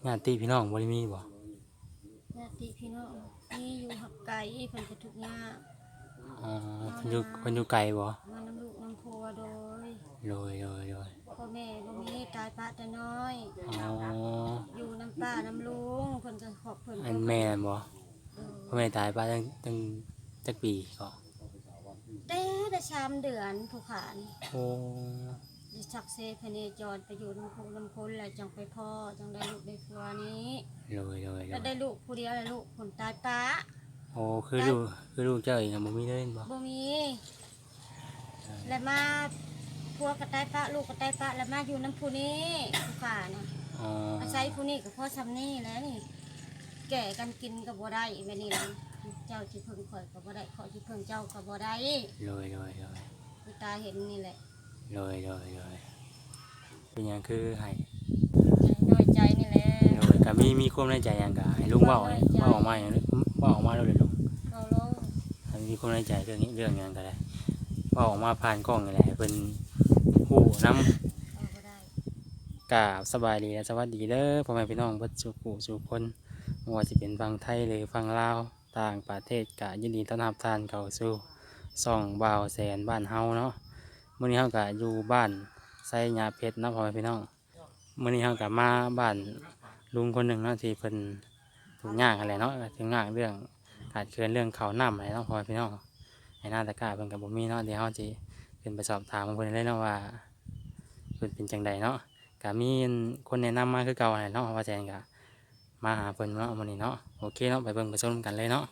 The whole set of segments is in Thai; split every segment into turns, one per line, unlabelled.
ญาติพี่น้องบ่ได้มีบ่
ญาติพี่น้องมีอยู่หักไก่เพิ่นก็ทุกข์ยาก
อ๋อ
เอา
เพิ่นอยู่ไกลบ่
มาน้ำลูกน้ำพัวโดย
โดย
พ่อแม่บ่มีตายปะแต่น้อย
อ๋อ
อยู่น้ำป้าน้ำลุงเพิ่นก็ขอบเพิ่น
อัน
ก็
แม่นบ่
เออ
พ่อแม่ตายไปตั้งจักปีก็
แต่3 เดือนผู้ขาน
โอ้
ได้ชักเซพเนจรไปอยู่น้ำพุน้ำพ้นแล้วจังไปพ่อจังได้ลูกได้ผัวนี้แล้วได้ลูกผู้เดียวแล้วลูกคนตายปะ
โอ้คือลูกเจ้าเองบ่มีเลยบ่
บ่มีแล้วมาผัวก็ตายปะลูกก็ตายปะแล้วมาอยู่น้ำพุนี้ผู้ขาน่ะ
อ๋อ
อาศัยผู้นี้กับพ่อซ้ำนี่แหล้วนี่แก่กันกินกับบ่ได้แบบนี้นะเจ้าที่เพิ่งข่อยกับบ่ได้ขอที่เพิ่งเจ้ากับบ่ได้ผู้ตาเห็นนี่แหละ
เลยเป็นหยังคือให้
น้อยใจนี่แหละ
ก็มีความในใจหยังก็ให้ลุงเว้าออกมาหยังเว้าออกมาเลยลุง
เอาลง
ถ้ามีความในใจเรื่องนี้เรื่องหยังก็ได้เว้าออกมาผ่านกล้องนี่แหละให้เพิ่นฮู้นำ
เอาบ่ได้
กราบสบายดีและสวัสดีเด้อพ่อแม่พี่น้องเบิดสุขุสุขคนไม่ว่าจะเป็นฝั่งไทยหรือฝั่งลาวต่างประเทศก็ยินดีต้อนรับท่านเข้าสู่ช่องบ่าวแสนบ้านเฮาเนาะมื้อนี้เฮาก็อยู่บ้านไซหญ้าเพชรเนาะพ่อแม่พี่น้องมื้อนี้เฮาก็มาบ้านลุงคนหนึ่งเนาะที่เพิ่นทุกข์ยากอะไรเนาะทุกข์ยากเรื่องขาดเคินเรื่องข้าวน้ำอะไรเนาะพ่อแม่พี่น้องให้หน้าตะกร้าเพิ่นก็บ่มีเนาะเดี๋ยวเฮาสิขึ้นไปสอบถามเพิ่นเลยเนาะว่าเพิ่นเป็นจังใดเนาะ ก็มีคนแนะนำมาคือเก่าเนาะว่าแจนก็มาหาเพิ่นเนาะมื้อนี้เนาะโอเคเนาะไปเบิ่งไปชมกันเลยเนาะ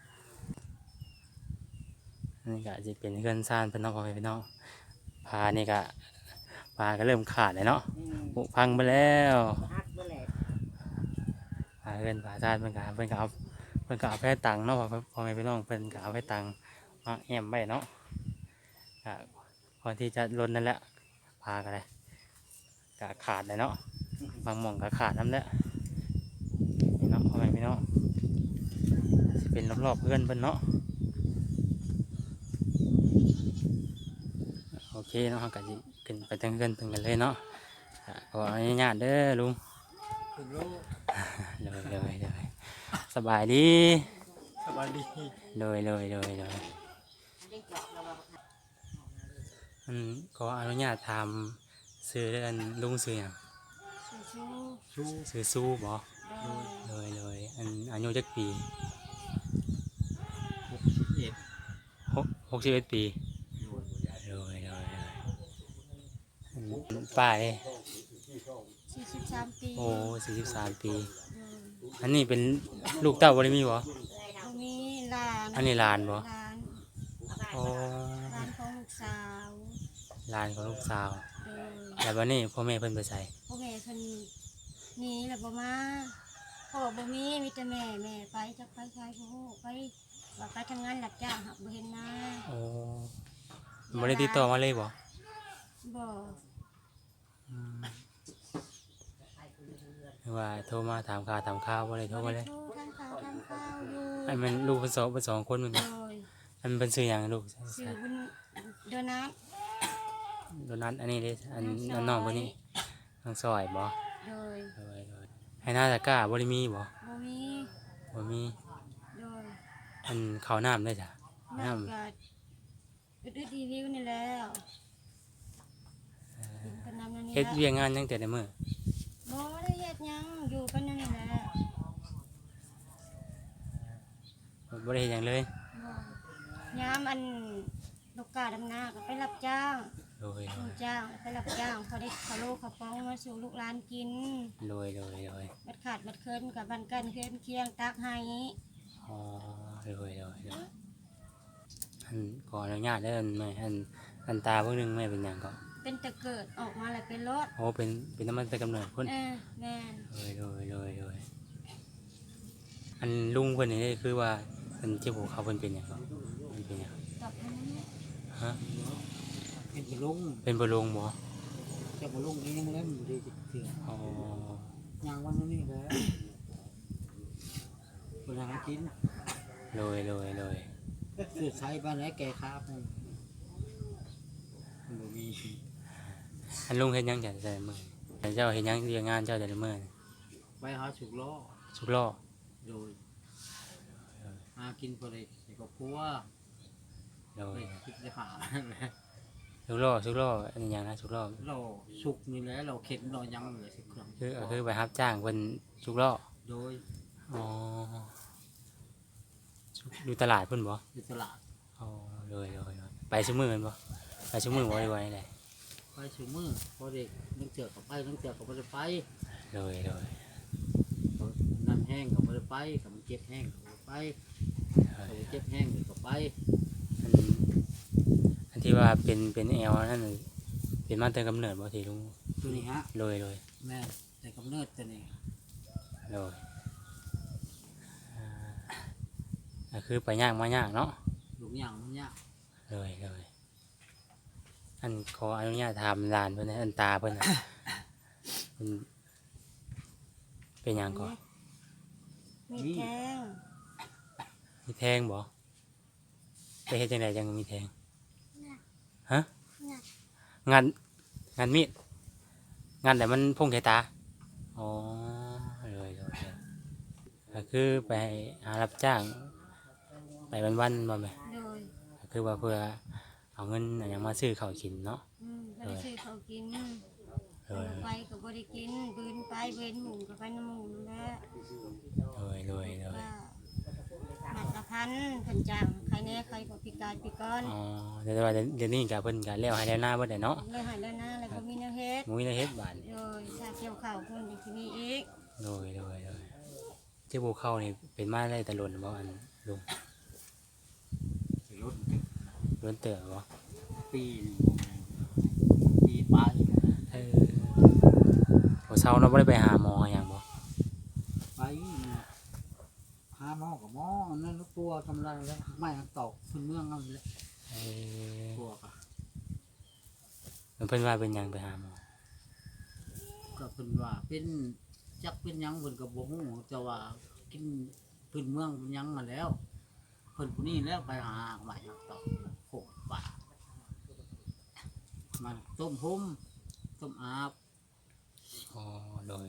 นี่ก็สิเป็นเรือนซ่านเพิ่นเนาะพ่อแม่พี่น้องพานี่ก็พาก็เริ่มขาดเลยเนาะผุพังไปแล้วพาเรือนพาซ่านเพิ่นก็เอาแพตังเนาะพ่อแม่พี่น้องเพิ่นก็เอาแพตังมาแอมไว้เนาะก็พอที่จะล้นนั่นแหละพากันเลยก็ขาดเลยเนาะบางหม่องก็ขาดน้ำแล้วนี่เนาะพ่อแม่พี่น้องสิเป็นรอบๆเพื่อนเพิ่นเนาะโอเคเนาะก็สิขึ้นไปตั้งเพื่อนถึงกันเลยเนาะขออนุญาตเด้อลุงเลยสบายดีเลยขออนุญาตทำซื้อเรื่องลุงซื้ออย่างซื้อสู้บ่เลยอันอายุจักปี61 ปีเลยป้าย
43 ปี
โอ้43 ปีอันนี้เป็นลูกเต้าบ่ได้มีบ่
บ่มีหลาน
อันนี้หลานบ่
หลาน
โอ้
หลานของลูกสาว
หลานของลูกสาว
เออ
แล้ววันนี้พ่อแม่เพิ่นไปใส่
พ่อแม่เพิ่นหนีแล้วบ่มาพ่อบ่มีแต่แม่ไปจักไปใช้บ่ฮู้ไปว่าไปทำงานรับจ้างหักบ่เห็นหน้า
โอ้บ่ได้ติดต่อมาเลยบ่
บ่
ว่าโทรมาถามข่าวบ่ได้โทรมาเลย
โทรทางข่าวอยู่
อันมันลูกเพิ่นสองคนมัน
โดย
อันเป็นชื่อหยังลูก
ชื่อบุญโดนัท
โดนัทอันนี้เด้อันน้องคนนี้น้องซอยบ่
โดย
ให้หน้าตะกร้าบ่ได้มีบ่
บ่มี
โดย
ย
อันข้าวน้ำได้จ้ะ
น้ำก็อึดๆรีวิวนี่แล้วกินน้ำนั่นนี่
เฮ็ด
แล้ว
เวียกงานจังแต่ในมื้อ
บ่ได้เฮ็ดหยังอยู่กันนั่นนี่แหละ
บ่ได้เฮ็ดหยังเลย
บ่ยามอันลูกกาดำนาก็ไปรับจ้าง
โดย
ลูกจ้างไปรับจ้างพอได้ข้าวโลข้าวป้องมาสู่ลูกหลานกินบัดขาดบัดเคินกับบันกันเคินเคียงตักให้
อ๋ออันขออนุญาตได้อันแม่อันตาเพิ่งนึงแม่เป็นหยังก็
เป็นแต่เกิดออกมาแล้วเป็นรถ
โอ้เป็นน้ำมันแต่กำเนิดพุ่น
แม่
เลยอันลุงเพิ่นนี่คือว่าเพิ่นเจ็บหัวเขาเพิ่นเป็นหยังก็เพิ่นเป็นหยัง
ตอบให้
ฮะ
เป็นบลุง
เป็นบ่ลุงบ่
แต่บลุงนี่ยังเล่นอยู่ดีจิเถื่อน
อ๋
อย่างวันนี้แล้วเวลากิน
เลย
สื่อใช้บ้านไหนแก่ครับมันมี
อันลุงเฮ็ดหยังจัดแต่มื้อแต่เจ้าเฮ็ดหยังเรียนงานเจ้าแต่ละมื้อ
ไปหาฉุกล้อ
สุกล้อ
โดยหากินพอได้ใส่กับครัว
โด
ไป
ย
คิดจะหา
สุกล้ออันนี้หยังนะสุกล้อ
เราสุกนี่แหละเราเข็นเรายังเลยสิเครื่อง
คือไปรับจ้างเพิ่นสุกล้อ
โดย
อ๋ออยู่ตลาดเพิ่นบ่
อยู่ตลาด
อ๋อเลยไปซุมื้อแม่นบ่ไปซุมื้อบ่ได้ไว้ได้
ไปชูมือพอเด็กนั่งเจอกับไปนั่งเจอกับไม่ได้ไป
เลย
นั่นแห้งกับไม่ได้ไปกับมันเจ็บแห้งกับไปกับเจ็บแห้งกับไป
อันที่ว่าเป็นแอลนั่นน่ะเป็นมาแต่กำเนิดบ่ที่ลุง
ตัวนี้ฮะ
เลย
แม่แต่กำเนิดตัวนี้
คือไปย่างมาย่างเนาะ
ลูกอย่างมันยาก
เลยอันขออนุญาตถามหลานเพิ่นนะอันตาเพิ่นน่ะเพิ่นเป็นหยังก่อน
มีแทง
มีแทงบ่ไปเฮ็ดจังไดจังมีแทงฮะงานมีดงานแต่มันพุ่งใส่ตาอ๋อเลยก็คือไปหารับจ้างไปวันๆบ่แม่
โดย
ก็คือว่าเพื่อเอาเงินอนหยังมาซื้อข้าวกินเนาะ
บ่ได้ซื้อเขาวกิน
เลย
ไปก็บ่ได้กินบืนไปเว้นหมู่ก็ไปน้ำหมู่นั่นแหละ
เลย
ว่าบัตรละพันเพิ่นจ้างใครแน่ใครก็พิการพิกร
อ๋อแต่ว่าเดี๋ยวนี้ก็เพิ่นก็แล้วให้แล้วหน้าเบิดได้เนาะ
เลยหายแล้วนะแล้วก็มีแนวเฮ็ด
มุ้ยในเฮ็ดบาด
โดยถ้าเกี่ยวข้าวเพิ่นก็สิมีอีก
เลยเจ้าบ่เข้านี่เป็นมาได้แต่ล้นบ่อันลุง
รถ
ล้นเต๋อบ่
ปีปีไป
บ่เช้าเนาะบ่ได้ไปหาหมอหยังบ่
ไปหาหมอกับหมอนั่นลูกตัวทำไรแล้วไม่ตอกพื้นเมืองเอาเลยตัวกะ
เพิ่นว่าเป็นหยังไปหาหมอ
ก็เพิ่นว่าเป็นจักเป็นหยังเพิ่นก็บ่ฮู้แต่ว่ากินพื้นเมืองเป็นหยังมาแล้วเพิ่นผู้นี้แล้วไปหาใหม่ตอกโคกป่ามันต้มหุ่มต้มอาบ
อ๋อเลย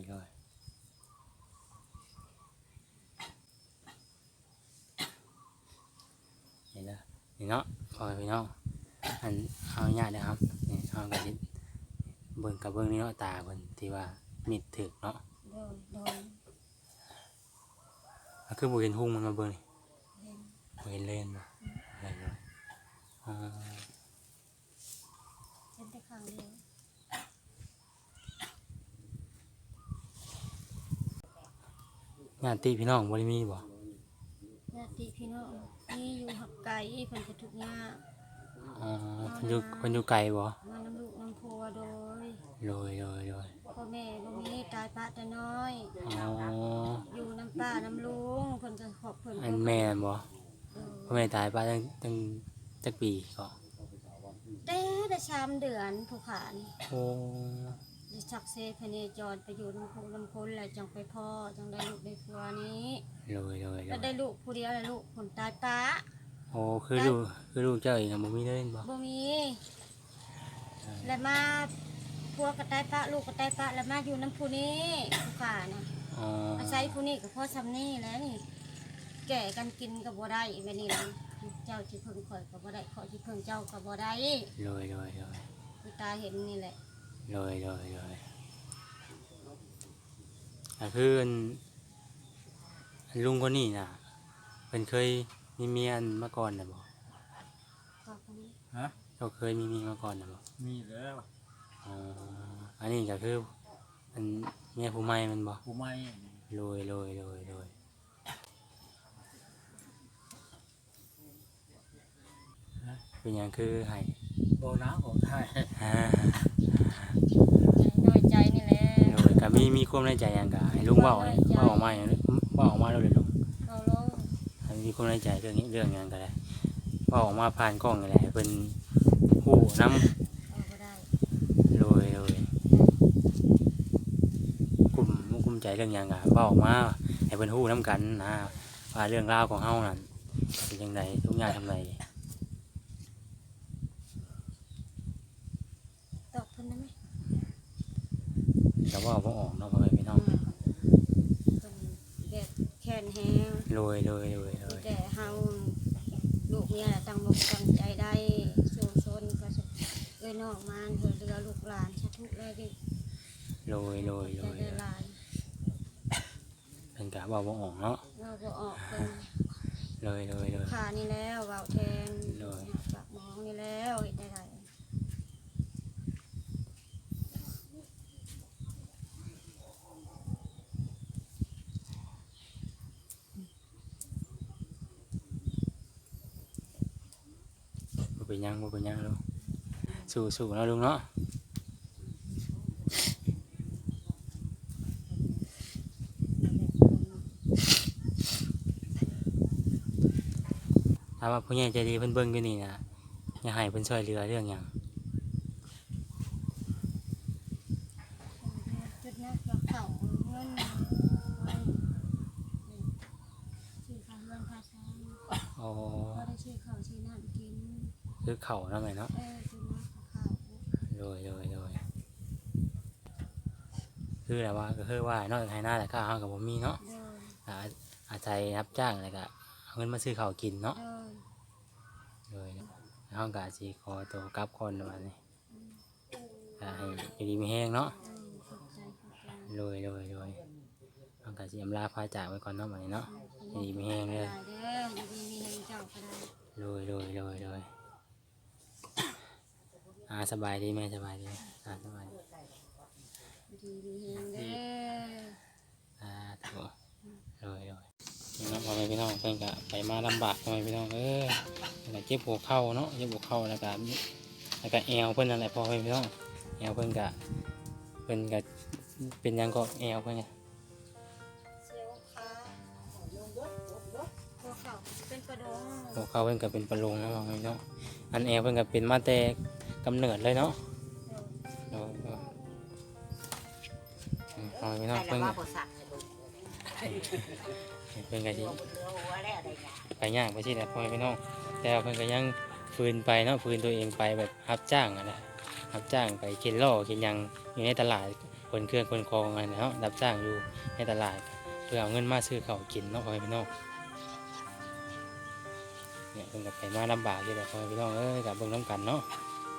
นี่เนาะพอพี่น้องอันเอาญาตินะครับนี่เอาก็สิเบิ่งกับเบิ่งนี่เนาะตาเพิ่นที่ว่ามิดถึกเนาะ
โดย
ก็คือบ่เห็นหุ่งมันมาเบิ่งนี่
เห็น
บ่เห็นเล่นบ่เลยอ๋อ
เห็นแต่ข้างเดียว
ญาติพี่น้องบ่ได้มีบ่
ญาติพี่น้องมีอยู่หักไก่เพิ่นก็ทุกข์ยาก
อ๋อเพิ่นอยู่ไกลบ่
มาน้ำลูกน้ำพัวโดย
เลย
พ่อแม่บ่มีตายปะแต่น้อย
อ๋อ
อยู่น้ำป้าน้ำลุงเพิ่นก็ขอบเพิ่น
อันแม่นบ่
เออ
พ่อแม่ตายไปตั้งจักปีก็
แต่3 เดือนผู้ขาน
โอ้
ได้ชักเซพเนจรไปอยู่น้ำพุน้ำพ้นแล้วจังไปพ่อจังได้ลูกได้ผัวนี้
เลย
แล้วได้ลูกผู้เดียวแล้วลูกคนตายปะ
โอ้คือลูกเจ้าเองบ่มีเล่นบ่
บ่มีแล้วมาผัวก็ตายปะลูกก็ตายปะแล้วมาอยู่น้ำผู้นี้ผู้ขานะ
อ๋อ
อาศัยผู้นี้กับพ่อซำนี่แหล้วนี่ แก่กันกินกับบ่ได้แบบนี้นะเจ้าที่เพิ่งข่อยกับบ่ได้ข่อยที่เพิ่งเจ้ากับบ่ได้
เลย
คุณตาเห็นนี่แหละ
คืออันลุงคนนี้น่ะเพิ่นเคยมีเมียมาก่อนน่ะบ่
พ่อคนนี้
ฮะ
เขาเคยมีเมียมาก่อนน่ะบ่
มีแล้ว
อ๋ออันนี้ก็คืออันเมียผู้ใหม่มันบ่
ผู้ไม่
เลยเป็นหยังคือให้
โบนะของไทย
น้อยใจนี่แหละ
เลยก็มีความในใจหยังก็ให้ลุงเว้าออกมาอย่างเว้าออกมาเลยลุง
เอาลง
ให้มีความในใจเรื่องนี้เรื่องหยังก็ได้เว้าออกมาผ่านกล้องนี่แหละให้เพิ่นฮู้นำ
เอาบ่ได้
เลยกลุ่มใจเรื่องหยังก็เว้าออกมาให้เพิ่นฮู้นำกันนะว่าเรื่องราวของเฮานั่นเป็นจังไดทุกอย่างทำได
ตอบเพิ่นได้ไหม
แต่ว่าบ่ออกเนาะพ่อแม่พี่น้องโดยโดยโดยโดย
แต่เฮาลูกเมียน่ะตั้งมุกตั้งใจได้สู้ซนก็สิเอ้ยน้องมานเฮือเรือลูกหลานสาธุเลยดิ
โดยโดยโด
ใจ
ย
ได้หลาย
เพิ่นก็เว้าบ่ออกเนาะ
เราบ่ออกเพิ่น
โดยโดยโดย
ขานี่แล้วเว้าแทน
โดย
ปากหมองนี่แล้วเฮ็ดได้ได
บ่เป็นหยังบ่เป็นหยังลูกสู้ๆเนาะลุงเนาะถามว่าผู้ใหญ่ใจดีเพิ่นเบิ่งอยู่นี่นะอยากให้เพิ่นช่วยเหลือเรื่องหยัง
จุดนั้นก็เข้าเงินไว้ซื้อข้าวเงินค่าช้าง
อ๋อ
บ่ได้ซื้อข้าวซื้อน้ำกิน
คือเขาเนาะแม่เนาะ
ซื้อน้ำกับข้าว
โดยโดยโดยคือแบบว่าก็คือว่านอกจากให้หน้าแต่ก็เฮาก็บ่มีเนาะ
เดิน
อาศัยรับจ้างแล้วก็เอาเงินมาซื้อข้าวกินเนาะ
เดิน
โดยเฮาก็สิขอตัวกลับก่อนว่านี่ก็ให้อยู่ดีมีแฮงเนาะ
ขอบใจขอบใจ
โดยโดยโดยเฮาก็สิอำลาพาจากไว้ก่อนเนาะบัดนี้เนาะอยู่ดีมีแฮงเด้อ
ได้เด้ออยู่ดีมีแรงเจ้าก็ได้
โดยโดยโดยโดยสบายดีไหมสบายดีสบายดี
อยู่ดีมีแรงเด้อ
ถูกโดยโดยนี่เนาะพ่อแม่พี่น้องเพิ่นก็ไปมาลำบากพ่อแม่พี่น้องแล้วก็เจ็บหัวเข่าเนาะเจ็บหัวเข่าแล้วก็แอวเพิ่นนั่นแหละพ่อแม่พี่น้องแอวเพิ่นก็เป็นหยังก็แอวเพิ่นไง
เสียวขาหัวเข่าเป็นกระดง
หัวเข่าเพิ่นก็เป็นประโลงนะพ่อแม่พี่น้องอันแอวเพิ่นก็เป็นมาแต่กำเนิดเลยเนาะโดยโดยพ่อแม่พี่น้องเพิ่นก็สิไปย่างไปสิแหละพ่อแม่พี่น้องแต่ว่าเพิ่นก็ยังฝืนไปเนาะฝืนตัวเองไปแบบรับจ้างอะนะรับจ้างไปเข็นล่อเข็นหยังอยู่ในตลาดคนเครื่องคนคลองอะไรเนาะรับจ้างอยู่ในตลาดเพื่อเอาเงินมาซื้อข้าวกินเนาะพ่อแม่พี่น้องเนี่ยเพิ่นก็ไปมาลำบากอยู่แหละพ่อแม่พี่น้องกับเบิ่งน้ำกันเนาะ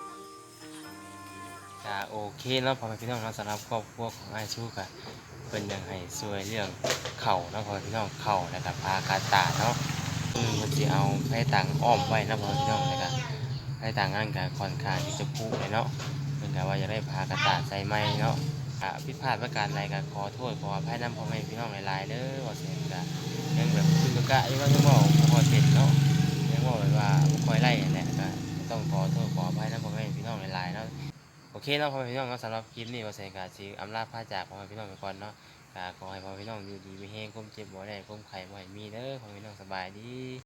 ก็โอเคเนาะพ่อแม่พี่น้องเนาะสำหรับครอบครัวของอ้ายชูก็เพิ่นยังให้ช่วยเรื่องเข่าเนาะพ่อแม่พี่น้องเข่าแล้วก็พาการตาเนาะมันสิเอาให้ต่างอ้อมไว้นะพ่อแม่พี่น้องแล้วก็ให้ต่างงานก็ค่อนข้างที่จะพุเลยเนาะเพิ่นก็ว่าจะได้พากระตาใส่ไม้เนาะผิดพลาดประการใดก็ขอโทษขออภัยนำพ่อแม่พี่น้องหลายๆเด้อว่าเสียก็ยังแบบคือก็ยังว่ายังบ่ค่อยเป็นเนาะยังบ่แบบว่าบ่ค่อยไล่นั่นแหละก็ต้องขอโทษขออภัยนำพ่อแม่พี่น้องหลายๆเนาะโอเคเนาะพ่อแม่พี่น้องเนาะสำหรับคลิปนี้ว่าเสียก็สิอำลาพาจากพ่อแม่พี่น้องไปก่อนเนาะก็ขอให้พ่อแม่พี่น้องอยู่ดีมีแรงความเจ็บบ่ได้ความไข้บ่ให้มีเด้อพ่อแม่พี่น้องสบายดี